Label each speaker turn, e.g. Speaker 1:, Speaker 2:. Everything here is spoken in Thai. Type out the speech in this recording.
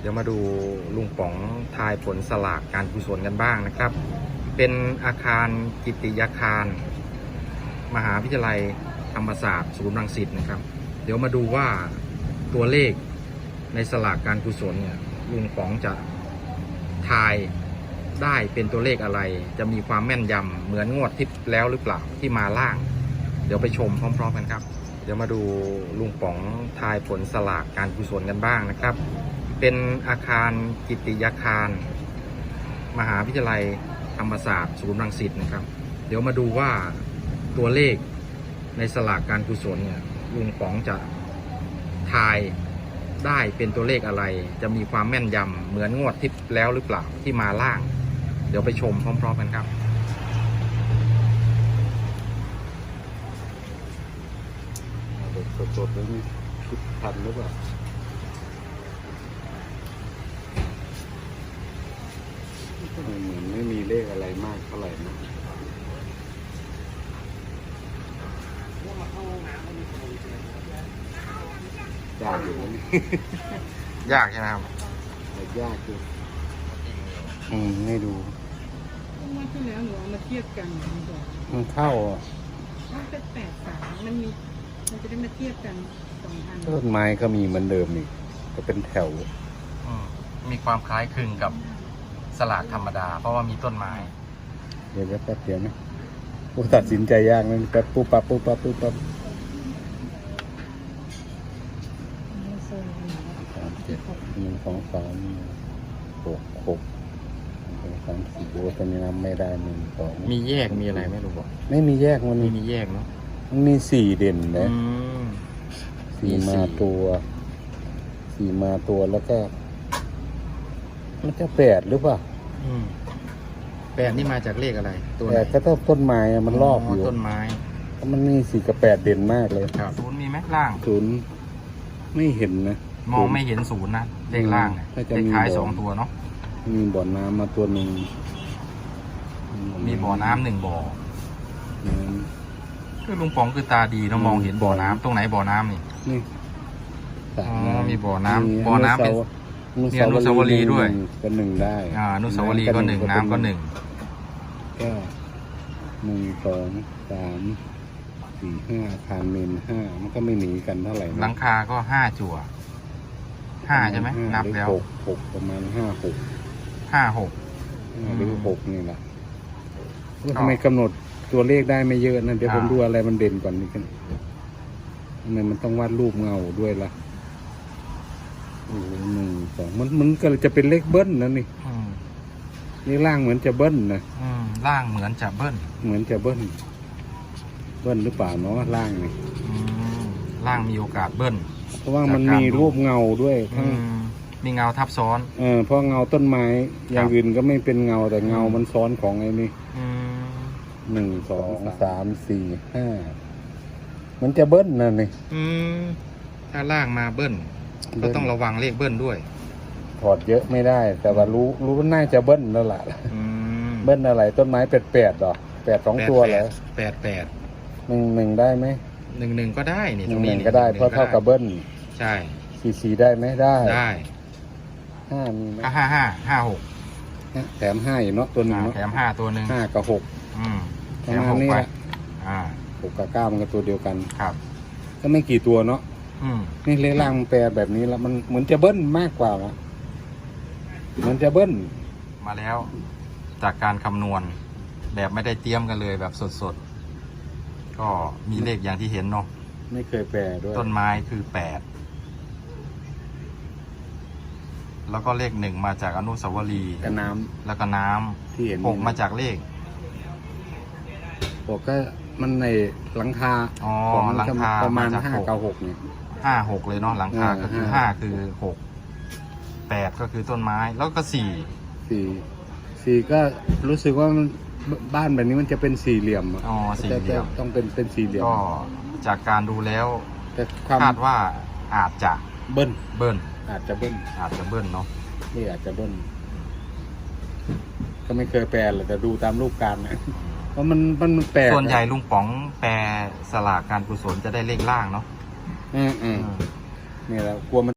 Speaker 1: ดี๋ยวมาดูลุงป๋องทายผลสลากการกุศลกันบ้างนะครับเป็นอาคารกิตติยาคารมหาวิทยาลัยธรรมศาสตร์ศูนย์รังสิตนะครับเดี๋ยวมาดูว่าตัวเลขในสลากการกุศลเนี่ยลุงป๋องจะทายได้เป็นตัวเลขอะไรจะมีความแม่นยำเหมือนงวดที่แล้วหรือเปล่าที่มาล่างเดี๋ยวไปชมพร้อมๆกันครับเดี๋ยวมาดูลุงป๋องทายผลสลากการกุศลกันบ้างนะครับเป็นอาคารกิตติยาคารมหาวิทยาลัยธรรมศาสตร์ศูนย์รังสิตนะครับเดี๋ยวมาดูว่าตัวเลขในสลากการกุศลเนี่ยลุงป๋องจะทายได้เป็นตัวเลขอะไรจะมีความแม่นยำเหมือนงวดที่แล้วหรือเปล่าที่มาล่างเดี๋ยวไปชมพร้อมๆกันครับ
Speaker 2: สดๆแล้วนี่คิดทันหรือเปล่าเหมือนไม่มีเลขอะไรมากเท่าไหร่นะยากอยู่นะนี่
Speaker 1: ยากใช่ไหมครับ
Speaker 2: ยากอยู่ไม่ดู
Speaker 3: ว่าที่แล้วหนูเอามาเทียบกัน
Speaker 2: มันเข้า
Speaker 3: ว่าเป็น83มันจะได้มาเทียบกัน2 อัน
Speaker 2: ต้นไม้ก็มีเหมือนเดิมอีกก็เป็นแถว
Speaker 1: มีความคล้ายคลึงกับสลากธรรมดาเพราะว่ามีต้นไม้
Speaker 2: เดี๋ยวแป๊บเดียวนะกูตัดสินใจยากนะแป๊บปุ๊บปั๊บ3 7 1 2 3 6 6 3 4ตอนนี้นับไม่ได้1 2
Speaker 1: มีแยกมีอะไรไม่รู้บอก
Speaker 2: ไม่มีแยกมัน
Speaker 1: มีแยกเนาะ
Speaker 2: มันมี4เด่นนะ4มาตัวแล้วก็มันจะ8หรือเปล่า
Speaker 1: 8นี่มาจากเลขอะไรตัวไหน
Speaker 2: ก็ต้นไม้มันรอบอยู่
Speaker 1: ต้นไม้
Speaker 2: มันมี4 กับ 8เด่นมากเลย
Speaker 1: ครับ0มีไหมล่าง
Speaker 2: 0ไม่เห็นนะ
Speaker 1: มองไม่เห็น0นะเลขล่างเนี่ยเลขท้าย2ตัวเนาะ
Speaker 2: มีบ่อน้ำมาตัวหนึ่ง
Speaker 1: มีบ่อน้ำ1 บ่อคือลุงป๋องคือตาดีเนาะมองเห็นบ่อน้ำตรงไหนบ่อน้ำนี่มีบ่อน้ำเป็นมีอนุสาวรีย์ด้วย
Speaker 2: ก็1ได้
Speaker 1: อนุสาวรีย์ก็1น้ำก็1
Speaker 2: ก็1 2 3 4 5อาคารเมน5มันก็ไม่หนีกันเท่าไหร่
Speaker 1: หลังคาก็5 จั่ว5ใช่ไหมนับแล้ว
Speaker 2: 6ประมาณ5 6หรือ6นี่แหละทำไมกำหนดตัวเลขได้ไม่เยอะนะเดี๋ยวผมดูอะไรมันเด่นก่อนนี่กันทำไมมันต้องวาดรูปเงาด้วยล่ะ1 2มันก็จะเป็นเลขเบิ้ลนะนี่นี่ล่างเหมือนจะเบิ้ลนะ
Speaker 1: ล่างเหมือนจะเบิ้ล
Speaker 2: หรือเปล่าเนาะล่างนี่
Speaker 1: ล่างมีโอกาสเบิ้ล
Speaker 2: เพราะว่ามันมีรูปเงาด้วย
Speaker 1: มีเงาทับซ้อน
Speaker 2: เพราะเงาต้นไม้อย่างอื่นก็ไม่เป็นเงาแต่เงามันซ้อนของไอ้นี่1 2 3 4 5มันจะเบิ้ลนะนี่
Speaker 1: ถ้าล่างมาเบิ้ลก็ต้องระวังเลขเบิ้ลด้วย
Speaker 2: ถอดเยอะไม่ได้แต่ว่ารู้ว่าน่าจะเบิ้ลแล้วล่ะเบิ้ลอะไรต้นไม้8หรอ8 2 ตัวเหรอ8 1ได้ไหม
Speaker 1: 1ก็ได้นี่
Speaker 2: ตรงนี้ก็ได้เพราะเท่ากับเบิ้ล
Speaker 1: ใช่
Speaker 2: 4ได้ไหมได้5มีไหม
Speaker 1: 5 6
Speaker 2: แถม5อยู่เนาะตัวนึง
Speaker 1: แถม5ตัวนึง
Speaker 2: 5กับ6
Speaker 1: แถม6ไป
Speaker 2: 6กับ9มันก็ตัวเดียวกัน
Speaker 1: ครับ
Speaker 2: ก็ไม่กี่ตัวเนาะนี่เลขล่างแปลแบบนี้แล้วมันเหมือนจะเบิ้ลมากกว่าละเหมือนจะเบิ้ล
Speaker 1: มาแล้วจากการคำนวณแบบไม่ได้เตรียมกันเลยแบบสดๆก็มีเลขอย่างที่เห็นเนาะ
Speaker 2: ไม่เคยแปลด้วย
Speaker 1: ต้นไม้คือ8แล้วก็เลข1มาจากอนุสาวรีย์
Speaker 2: กับน้ำ
Speaker 1: แล้วก็น้ำ
Speaker 2: ที่เห็น
Speaker 1: 6มาจากเลข
Speaker 2: 6ก็มันในหลังคา
Speaker 1: หลังคา
Speaker 2: ประมาณ5 กับ 6เนี่ย
Speaker 1: 5 6เลยเนาะหลังคาก็คือ5คือ6 8ก็คือต้นไม้แล้วก็4
Speaker 2: ก็รู้สึกว่าบ้านแบบนี้มันจะเป็น4เหลี่ยม
Speaker 1: สี่เหลี่ยม
Speaker 2: ต้องเป็น4เหลี่ยม
Speaker 1: ก็จากการดูแล้วคาดว่าอาจจะ
Speaker 2: เบิ้ลอาจจะเบิ้ล
Speaker 1: เนาะ
Speaker 2: นี่อาจจะเบิ้ลก็ไม่เคยแปลเลยแต่ดูตามรูปการนะเพราะมันแปล
Speaker 1: ส่วนใหญ่ลุงป๋องแปลสลากการกุศลจะได้เลขล่างเนาะ
Speaker 2: นี่แหละกลัวมัน